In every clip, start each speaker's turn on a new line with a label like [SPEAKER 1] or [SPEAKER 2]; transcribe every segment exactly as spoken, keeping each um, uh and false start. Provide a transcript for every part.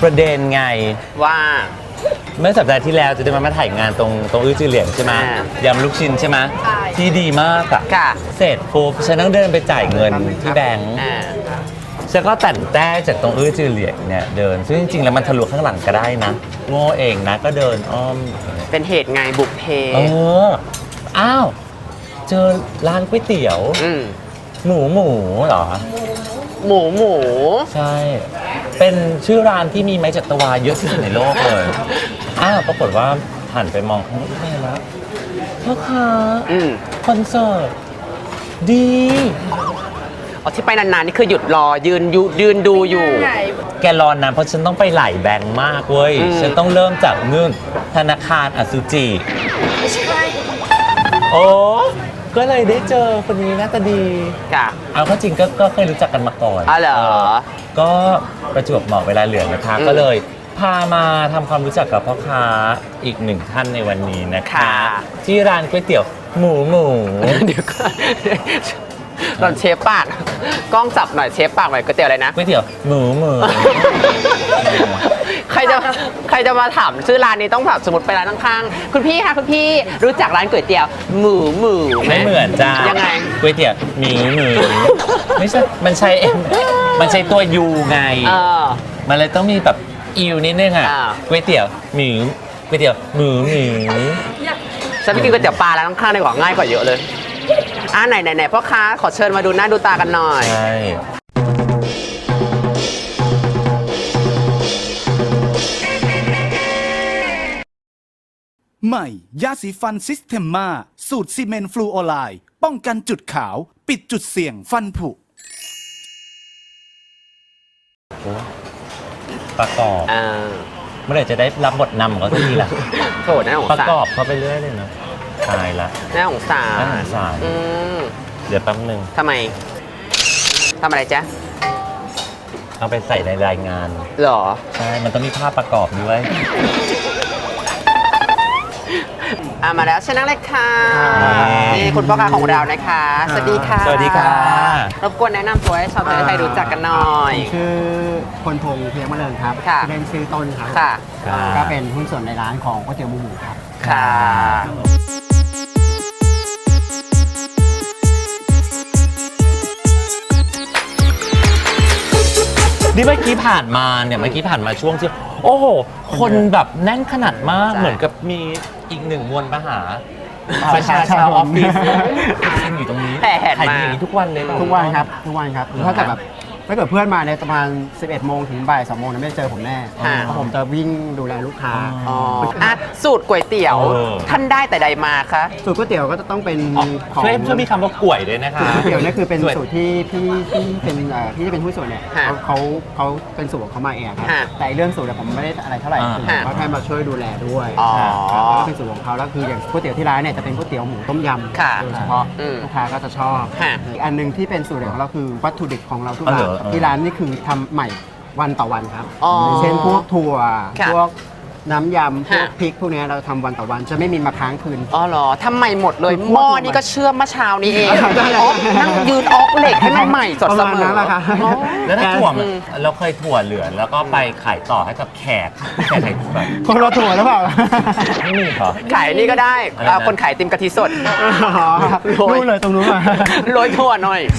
[SPEAKER 1] ประเด็นไง
[SPEAKER 2] ว่า
[SPEAKER 1] เมื่อสัปดาห์ที่แล้วจะได้มามาถ่ายงานตรงตรงอื้อจือเหลียงใช่ไหมยำลูกชิ้นใช่ไหมที่ดีมากอะเสร็จปุ๊บฉันต้องเดินไปจ่ายเงินที่แบงก์ฉันก็แต่นแต้จากตรงอื้อจือเหลียงเนี่ยเดินซึ่งจริงๆแล้วมันทะลุข้างหลังก็ได้นะโง่เองนะก็เดินอ้อม
[SPEAKER 2] เป็นเหตุไงบุกเพ
[SPEAKER 1] เอออ้าวเจอร้านก๋วยเตี๋ยวหมูหมูเหรอ
[SPEAKER 2] หมูหมู
[SPEAKER 1] ใช่เป็นชื่อร้านที่มีไม้จัตวาเยอะที่สุดในโลกเลยอ้าวปรากฏว่าหันไปมองข้างหน้าแล้วพ่อค้าคอนเสิร์ตดี
[SPEAKER 2] อ๋อที่ไปนานๆนี่คือหยุดรอยืนยืนดูอยู่
[SPEAKER 1] แกรอนนานเพราะฉันต้องไปหลายแบงค์มากเว้ยฉันต้องเริ่มจากนึ่งธนาคารอสุจิไม่ใช่โอ้ก็เลยได้เจอคนนี้หน้าตาดี
[SPEAKER 2] ค่ะ
[SPEAKER 1] เอาเข้าจริงก็เคยรู้จักกันมาก่อน
[SPEAKER 2] อ๋อเหรอ
[SPEAKER 1] ก็ประจวบเหมาะเวลาเหลือนะคะก็เลยพามาทำความรู้จักกับพ่อค้าอีกหนึ่งท่านในวันนี้นะคะที่ร้านก๋วยเตี๋ยวหมูหมู
[SPEAKER 2] เดี๋ยวก่อนตอนเชฟปากกล้องจับหน่อยเชฟปากหน่อยก๋วยเตี๋ยวอะไรนะ
[SPEAKER 1] ก๋วยเตี๋ยวหมูหมู
[SPEAKER 2] ใครจะใครจะมาถามชื่อร้านนี้ต้องแบบสมมติไปร้านข้างๆคุณพี่คะคุณพี่รู้จักร้านก๋วยเตี๋ยวหมูหมู
[SPEAKER 1] ไม่เหมือนจ้า
[SPEAKER 2] ยังไง
[SPEAKER 1] ก๋วยเตี๋ยวหมูหมูไม่ใช่มันใช่มันใช่ตัวยูไงมันเลยต้องมีแบบอิวนิดนึงอ่ะก๋วยเตี๋ยวหมูก๋วยเตี๋ยวหมูหมู
[SPEAKER 2] ฉันไปกินก๋วยเตี๋ยวปลาร้านข้างๆดีกว่าง่ายกว่าเยอะเลยอ่าไหนไหนไหนพ่อค้าขอเชิญมาดูหน้าดูตากันหน่อย
[SPEAKER 1] ใช่
[SPEAKER 3] ใหม่ยาสีฟันซิสเทมมาสูตรซีเมนต์ฟลูออไลด์ป้องกันจุดขาวปิดจุดเสี่ยงฟันผุ
[SPEAKER 1] ประกอบเมื่อไหร่จะได้รับบทนำของเขาสักทีล่ะ
[SPEAKER 2] โถน่าสง
[SPEAKER 1] สารประกอบเขาไปเรื่อยเลยนะตายละ
[SPEAKER 2] น่าสงสาร
[SPEAKER 1] น่าสงสารเดี๋ยวแป๊บนึง
[SPEAKER 2] ทำไมทำอะไรจ๊ะ
[SPEAKER 1] เอาไปใส่ในรายงาน
[SPEAKER 2] หรอ
[SPEAKER 1] ใช่มันต้องมีภาพประกอบด้วย
[SPEAKER 2] อ่ะมาแล้วชนะเลยค่ะนี่คุณพ่อค้าของเรานะคะสวัสดีค่ะ
[SPEAKER 1] สวัสดีค่ะ
[SPEAKER 2] รบกวนแนะนำตัวให้ชาวไทยรู้จักกันหน่อย
[SPEAKER 4] ชื่อพลพงษ์เพียงมะเริงครับเล่นชื่อต้นครับก็เป็นหุ้นส่วนในร้านของก๋วยเตี๋ยวหมูหมูครับ
[SPEAKER 2] ค่ะ
[SPEAKER 1] นี่เมื่อกี้ผ่านมาเนี่ยเมื่อกี้ผ่านมาช่วงที่โอ้โหคนแบบแน่นขนาดมากเหมือนกับมีอีกหนึ่งมวลมหาประชาชนออฟฟิศอยู่ตรงนี้ขายอย่างนี้ทุกวันเลย
[SPEAKER 4] ทุกวันครับทุกวันครับถ้าเกิดแบบถ้าเกิดเพื่อนมาในประมาณสิบเอ็ดโมงถึงบ่ายสองโมงนั้นไม่เจอผมแน่เพราะผมจะวิ่งดูแลลูกค้า
[SPEAKER 2] อ๋อสูตรก๋วยเตี๋ยวท่านได้แต่ใดมาคะ
[SPEAKER 4] สูตรก๋วยเตี๋ยวก็จะต้องเป็น
[SPEAKER 1] ของช่วยมีคำว่าก๋วยด้วยนะคะ
[SPEAKER 4] ก๋วยเตี๋ยวนี่คือเป็นสูตรที่พี่ที่เป็นพี่ที่เป็นผู้ส่วนเนี่ยเขาเขาเป็นสูตรของเขามาเองครับแต่เรื่องสูตรผมไม่ได้อะไรเท่าไหร่คือเขาแค่มาช่วยดูแลด้วยแล้วก็เป็นสูตรของเขาแล้วคืออย่างก๋วยเตี๋ยวที่ร้านเนี่ยจะเป็นก๋วยเตี๋ยวหมูต้มยำโดยเฉพาะลูกค้าก็จะชอบอีกอันนึงที่เป็นสูตรของเราคือวัตถุดิบของเราทุกอย่างที่ร้านนี่คือทำใหม่วันต่อวันครับเช่นพวกถั่วพวกน้ำยำพวกพริกพวกนี้เราทำวันต่อวันจะไม่มีมาค้างคืน
[SPEAKER 2] อ๋อเหรอทำใหม่หมดเลยหม้อนี่ก็เชื่อมเมื่อเช้านี้เองนั่งยืนออกเหล็กให้มันใหม่สดเสมอ
[SPEAKER 1] แล้วถ้าถั่วเราเคยถั่วเหลือแล้วก็ไปขายต่อให้กับแขกแขก
[SPEAKER 4] แบบคนเราถั่วหรือเปล่า
[SPEAKER 1] ไม่มีเหรอ
[SPEAKER 2] ขายนี่ก็ได้คนขายติมกะทิสด
[SPEAKER 4] รู้เลยตรงนู้น
[SPEAKER 2] โรยถั่วหน่อย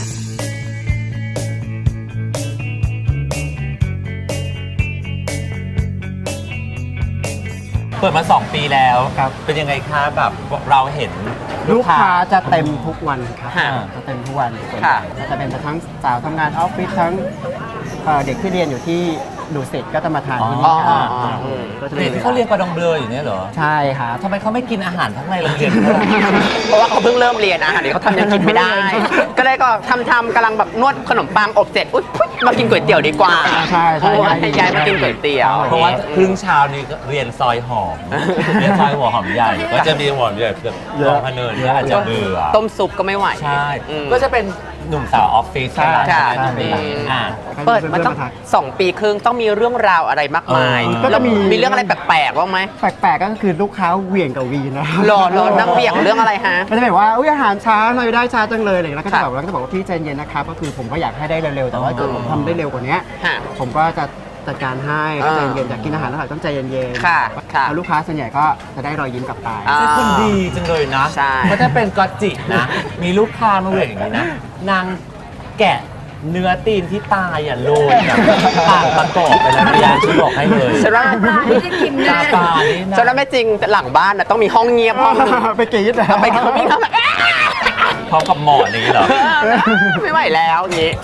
[SPEAKER 1] เปิดมาสองปีแล้วครับเป็นยังไงคะแบบเราเห็น
[SPEAKER 4] ลูกค้าจะเต็มทุกวันครับจะเต็มทุกวันจะเป็นทั้งสาวทำงานออฟฟิศทั้งเด็กที่เรียนอยู่ที่ดูสิตก็จะมาทานที่นี่
[SPEAKER 1] เด็กที่เขาเรียนกระดองเบลออยู่เนี่ยเหรอ
[SPEAKER 4] ใช่ครับ
[SPEAKER 1] ทำไมเขาไม่กินอาหารทั้งในโรงเรียน
[SPEAKER 2] เพราะว่าเขาเพิ่งเริ่มเรียนอาหารเดี๋ยวเขาทำยังกินไม่ได้ก็เลยก็ทำทำกำลังแบบนวดขนมปังอบเสร็จอุ๊ยมากินก๋วยเตี๋ยวดีกว่า
[SPEAKER 4] ใช่ใช่
[SPEAKER 2] ให้ย้ายมากินก๋วยเตี๋ยว
[SPEAKER 1] เพราะว่าครึ่งเช้านี้เรียนซอยหอมเรียนซอยหัวหอมใหญ่ก็จะมีหัวหอมใหญ่แบบลองพเนินอาจจะเบื่อ
[SPEAKER 2] ต้มซุปก็ไม่ไหว
[SPEAKER 1] ใช่ก็จะเป็นหนุ่มสาวออฟฟิศใช่ไหม
[SPEAKER 2] เปิดมาต้องสองปีครึ่งต้องมีเรื่องราวอะไรมากมายก็จะมีมีเรื่องอะไรแปลกๆบ้างไหม
[SPEAKER 4] แปลกๆก็คือลูกค้าเหวี่ยงกับวีนะ
[SPEAKER 2] รอรอนั่งเหวี่ยงเรื่องอะไรฮะ
[SPEAKER 4] ก็จะแบบว่าอุ้ยอาหารช้าหน่อยได้ช้าจังเลยอะไรแล้วก็จะบอกแล้วก็จะบอกว่าพี่ใจเย็นนะครับก็คือผมก็อยากให้ได้เร็วๆแต่ว่าเกิดผมทำได้เร็วกว่านี้ผมก็จะจัดการให้ก็ใจเย็นอยากกินอาหารอร่อยต้องใจเย็นๆ
[SPEAKER 2] ค่ะค่ะ
[SPEAKER 4] แล้วลูกค้าส่วนใหญ่ก็จะได้รอยยิ้มกลับไป
[SPEAKER 2] อ่า
[SPEAKER 1] เป็นคนดีจังเลยนะ
[SPEAKER 2] ใช่
[SPEAKER 1] เพราะถ้าเป็นกอตจินะ มีลูกค้ามาเวกอย่างนี้นะ นางแกะเนื้อตีนที่ตายอ่ะโรยแบบปากประกอบไปแล้วพยายามช่วยบอกให้เลย
[SPEAKER 2] ฉันว่า
[SPEAKER 5] ไม่ได้กิน
[SPEAKER 1] ตา
[SPEAKER 5] แน่
[SPEAKER 1] ปลานี่นะ
[SPEAKER 2] ฉันว่าไม่จริงแต่หลังบ้านนะต้องมีห้องเงียบห้องหนึง
[SPEAKER 4] ไปกรี๊ดนะ
[SPEAKER 2] ไปเขาไม่ทำแบบ
[SPEAKER 1] พร้อมกับหมอนนี้เหรอ
[SPEAKER 2] ไม่ไหวแล้วอย่างนี้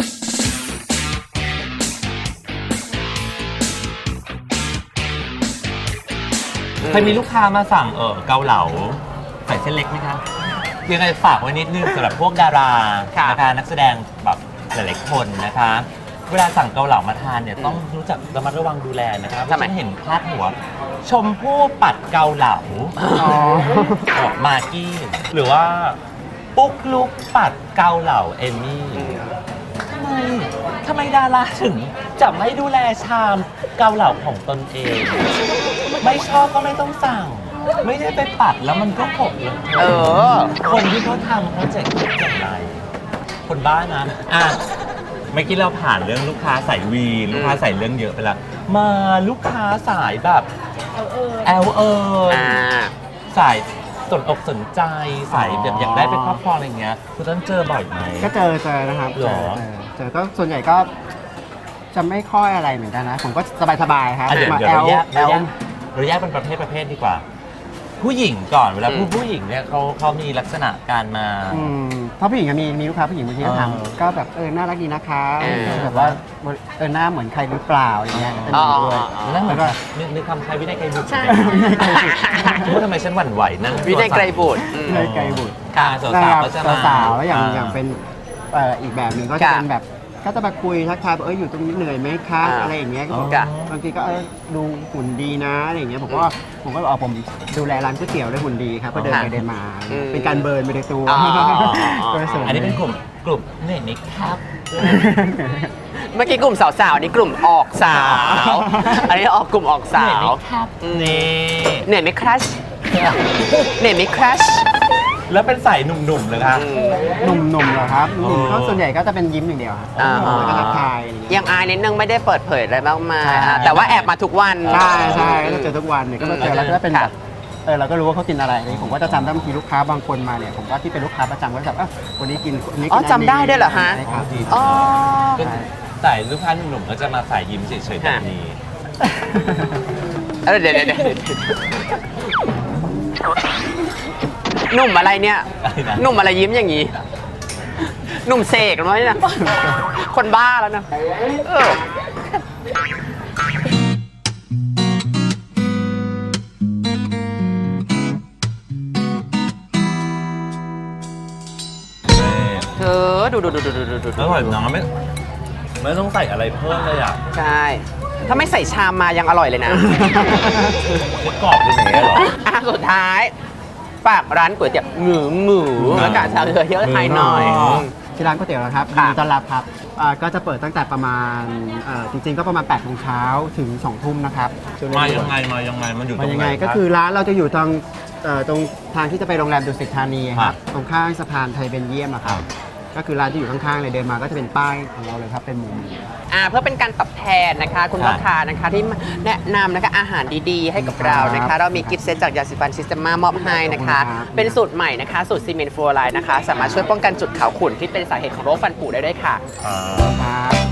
[SPEAKER 1] เคยมีลูกค้ามาสั่งเออเกาเหลาใส่เส้นเล็กไหมคะยังไงฝากไว้นิดนึงสำหรับพวกดารา
[SPEAKER 2] ค่ะ
[SPEAKER 1] นะคะนักแสดงแบบหลายๆคนนะคะ เวลาสั่งเกาเหลามาทานเนี่ยต้องรู้จักระมัดระวังดูแลนะครับ
[SPEAKER 2] ทำไม
[SPEAKER 1] ฉันเห็นพาดหัว ชมพู่ปัดเกาเหลา
[SPEAKER 4] อ๋อ
[SPEAKER 1] ออกมากี้หรือว่าปุ๊กลุกปัดเกาเหลาเอมมี่ทำไมทำไมดาราถึงจะไม่ดูแลชามเกาเหลาของตนเอง ไม่ชอบก็ไม่ต้องสั่ง ไม่ได้ไปปัดแล้วมันก็หกเลย
[SPEAKER 2] เออ
[SPEAKER 1] คนที่เขาทำเขาจะคิดอย่างไร คนบ้านะอ่ะเมื่อกี้เราผ่านเรื่องลูกค้าสายวีนลูกค้าสายเรื่องเยอะไปแล้ว มาลูกค้าสายแบบแอลเออ
[SPEAKER 2] อ่า
[SPEAKER 1] สายสนอกสนใจสายแบบอยากได้เป็นครอบครองอะไรอย่างเงี้ยคุณต้นเจอบ่อยไหม
[SPEAKER 4] ก็เจอเจอนะครับ
[SPEAKER 1] หร
[SPEAKER 4] เจ
[SPEAKER 1] อ
[SPEAKER 4] อเจอเจอก็ส่วนใหญ่ก็จะไม่ค่อยอะไรเหมือนกันนะ ผมก็สบายๆครับ
[SPEAKER 1] อ่ะเดี๋ยว
[SPEAKER 4] มา
[SPEAKER 1] เดี๋ยว
[SPEAKER 4] แอ
[SPEAKER 1] เรา
[SPEAKER 4] ล
[SPEAKER 1] แยก
[SPEAKER 4] แอ
[SPEAKER 1] เรา
[SPEAKER 4] ล
[SPEAKER 1] แยกเราแยกเป็นประเภทประเภทดีกว่า ผู้หญิงก่อนเวลา
[SPEAKER 2] อืม
[SPEAKER 1] ผู้ผู้หญิงเนี่ยเขาเขามีลักษณะการมา
[SPEAKER 4] อืมเพราะผู้หญิงอะมีมีลูกค้าผู้หญิงบางทีก็ถาม
[SPEAKER 1] เออ
[SPEAKER 4] ก็แบบเออน่ารักดีนะคะ
[SPEAKER 2] เออ
[SPEAKER 4] แบบว่าเออหน้าเหมือนใครหรือเปล่าอย่างเงี้ยก็จะมีด้วย
[SPEAKER 2] อ๋ออ๋อ
[SPEAKER 1] นั่นเหมือน
[SPEAKER 4] แล้วก็
[SPEAKER 1] นึกนึกคำใครวินัยไกรบุตร
[SPEAKER 5] ใช่
[SPEAKER 1] ว่าทำไมฉันหวั่นไหวนั่ง
[SPEAKER 2] วินัยไกรบุตรอืม
[SPEAKER 4] วินัยไกรบุตร
[SPEAKER 1] ค่ะสาว
[SPEAKER 4] นะ
[SPEAKER 1] สา
[SPEAKER 4] คว รับ
[SPEAKER 1] ก็จะมา
[SPEAKER 4] สาวๆแล้วอย่างอย่างเป็นเอ่ออีกแบบหนึ่งก็จะ
[SPEAKER 2] ค่ะ
[SPEAKER 4] เป็นแบบก็จะมาคุยทักทายบอกเอออยู่ตรงนี้เหนื่อยไหมคะ
[SPEAKER 2] อ่า
[SPEAKER 4] อะไรอย่างเงี้ยก็บอก
[SPEAKER 2] ค่ะ
[SPEAKER 4] บางทีก็เออดูหุ่นดีนะอะไรอย่างเงี้ยผมก็ผมก็บอกผมดูแลร้านก๋วยเตี๋ยวด้วยหุ่นดีครับก็เดินไปเดินมา
[SPEAKER 2] อืม
[SPEAKER 4] เป็นการเบิร์นไปในตัว
[SPEAKER 2] อ๋ออ๋ออ๋อ
[SPEAKER 4] โดยส่ว
[SPEAKER 1] อันนี้เป็นกลุ่มกลุ่มเนี่ยนิกครับ
[SPEAKER 2] เมื่อกี้กลุ่มสาวๆอันนี้กลุ่มออกสาว อันนี้ออกกลุ่มออกสา
[SPEAKER 1] เนี่ยว นิกครับ
[SPEAKER 2] อืม
[SPEAKER 1] นี่
[SPEAKER 2] เหนื่อยไหมครัชเหนื่อยไหมครัช
[SPEAKER 1] แล้วเป็นสายหนุ่มๆเลยครับ
[SPEAKER 4] หนุ่มๆเหรอครับหนุ่มก็
[SPEAKER 1] เออ
[SPEAKER 4] ส่วนใหญ่ก็จะเป็นยิ้มอย่างเดียวครับ
[SPEAKER 2] อ่า
[SPEAKER 4] แล้วก็ทักทายอะไรอย่างเงี้ย
[SPEAKER 2] ยังอายนิดนึงไม่ได้เปิดเผยอะไรมากมาย
[SPEAKER 4] ใช่
[SPEAKER 2] อ่ะแต่ว่าแอบมาทุกวัน
[SPEAKER 4] ใช่ใช่ก็จะเจอทุกวันเนี่ยก็มาเจอแล้วก็เป็น
[SPEAKER 2] ค่ะ
[SPEAKER 4] แบบเออเราก็รู้ว่าเขากินอะไรเลยผมก็จะจำได้บางทีลูกค้าบางคนมาเนี่ยผมก็ที่เป็นลูกค้าประจำก็จะแบบเออวันนี้กินวันนี้
[SPEAKER 2] อ๋
[SPEAKER 4] กิ
[SPEAKER 2] อนจำได้ด้วยเหรอฮะ
[SPEAKER 4] ใช่ครับ
[SPEAKER 2] อ๋อ
[SPEAKER 1] ก็สายลูกค้าหนุ่มๆก็จะมาสายยิ้มเฉยๆแบบนี้
[SPEAKER 2] เออเดี๋ยวเดี๋ยวเดี๋ยวหนุ่มอะไรเนี่ย
[SPEAKER 1] อะไรนะ
[SPEAKER 2] หนุ่มอะไรยิ้มอย่างนี้ หนุ่มเสกหรือไงเนี่ยคนบ้าแล้วนะเออ เธอดูดูดูดูดูดูดู
[SPEAKER 1] อร่อยนะไม่ไม่ต้องใส่อะไรเพิ่มเลยอ่ะ
[SPEAKER 2] ใช่ ถ้าไม่ใส่ชามมายังอร่อยเลยนะ
[SPEAKER 1] คือกรอบเป็นอย่างเงี้ยเหรอ
[SPEAKER 2] อ่ะสุดท้ายฝากร้านก๋วยเตี๋ยวหมูหมูแล้วก็ชาวเรือเยอะไทยหน่อย
[SPEAKER 1] อ๋อ
[SPEAKER 4] ที่ร้านก๋วยเตี๋ยวนะครับ
[SPEAKER 2] ค่ะ
[SPEAKER 4] ยินดีต้อนรับครับอ่าก็จะเปิดตั้งแต่ประมาณเอ่อจริงๆก็ประมาณแปดโมงเช้าถึงสองทุ่มนะครับช่วง
[SPEAKER 1] มา
[SPEAKER 4] นี้
[SPEAKER 1] ยังไงมายังไงมันอยู่ตร
[SPEAKER 4] มาง ยัง
[SPEAKER 1] ไหน
[SPEAKER 4] ไงก็
[SPEAKER 1] รับ
[SPEAKER 4] คือร้านเราจะอยู่ตรงเอ่อตรงทางที่จะไปโรงแรมดุสิตธานีค
[SPEAKER 1] ครั
[SPEAKER 4] รับบ ตรงข้างสะพานไทยเบนเยียมอะครับ ก็คือร้านที่อยู่ข้างๆเลยเดินมาก็จะเป็นป้ายของเราเลยครับเป็นหมูหมู
[SPEAKER 2] อ่าเพื่อเป็นการตอบแทนนะคะ คุณลูกค้านะคะที่แนะนำนะคะอาหารดีๆ ให้กับเรานะคะ เรามีกิฟต์เซตจากยาสีฟันซิสเตมามอบให้นะคะ เป็นสูตรใหม่นะคะ สูตรซีเมนต์ฟลูออไรด์นะคะ สามารถช่วยป้องกันจุดขาวขุ่นที่เป็นสาเหตุของโรคฟันผุได้ด้วยค่ะ
[SPEAKER 1] อ่า
[SPEAKER 4] ครับ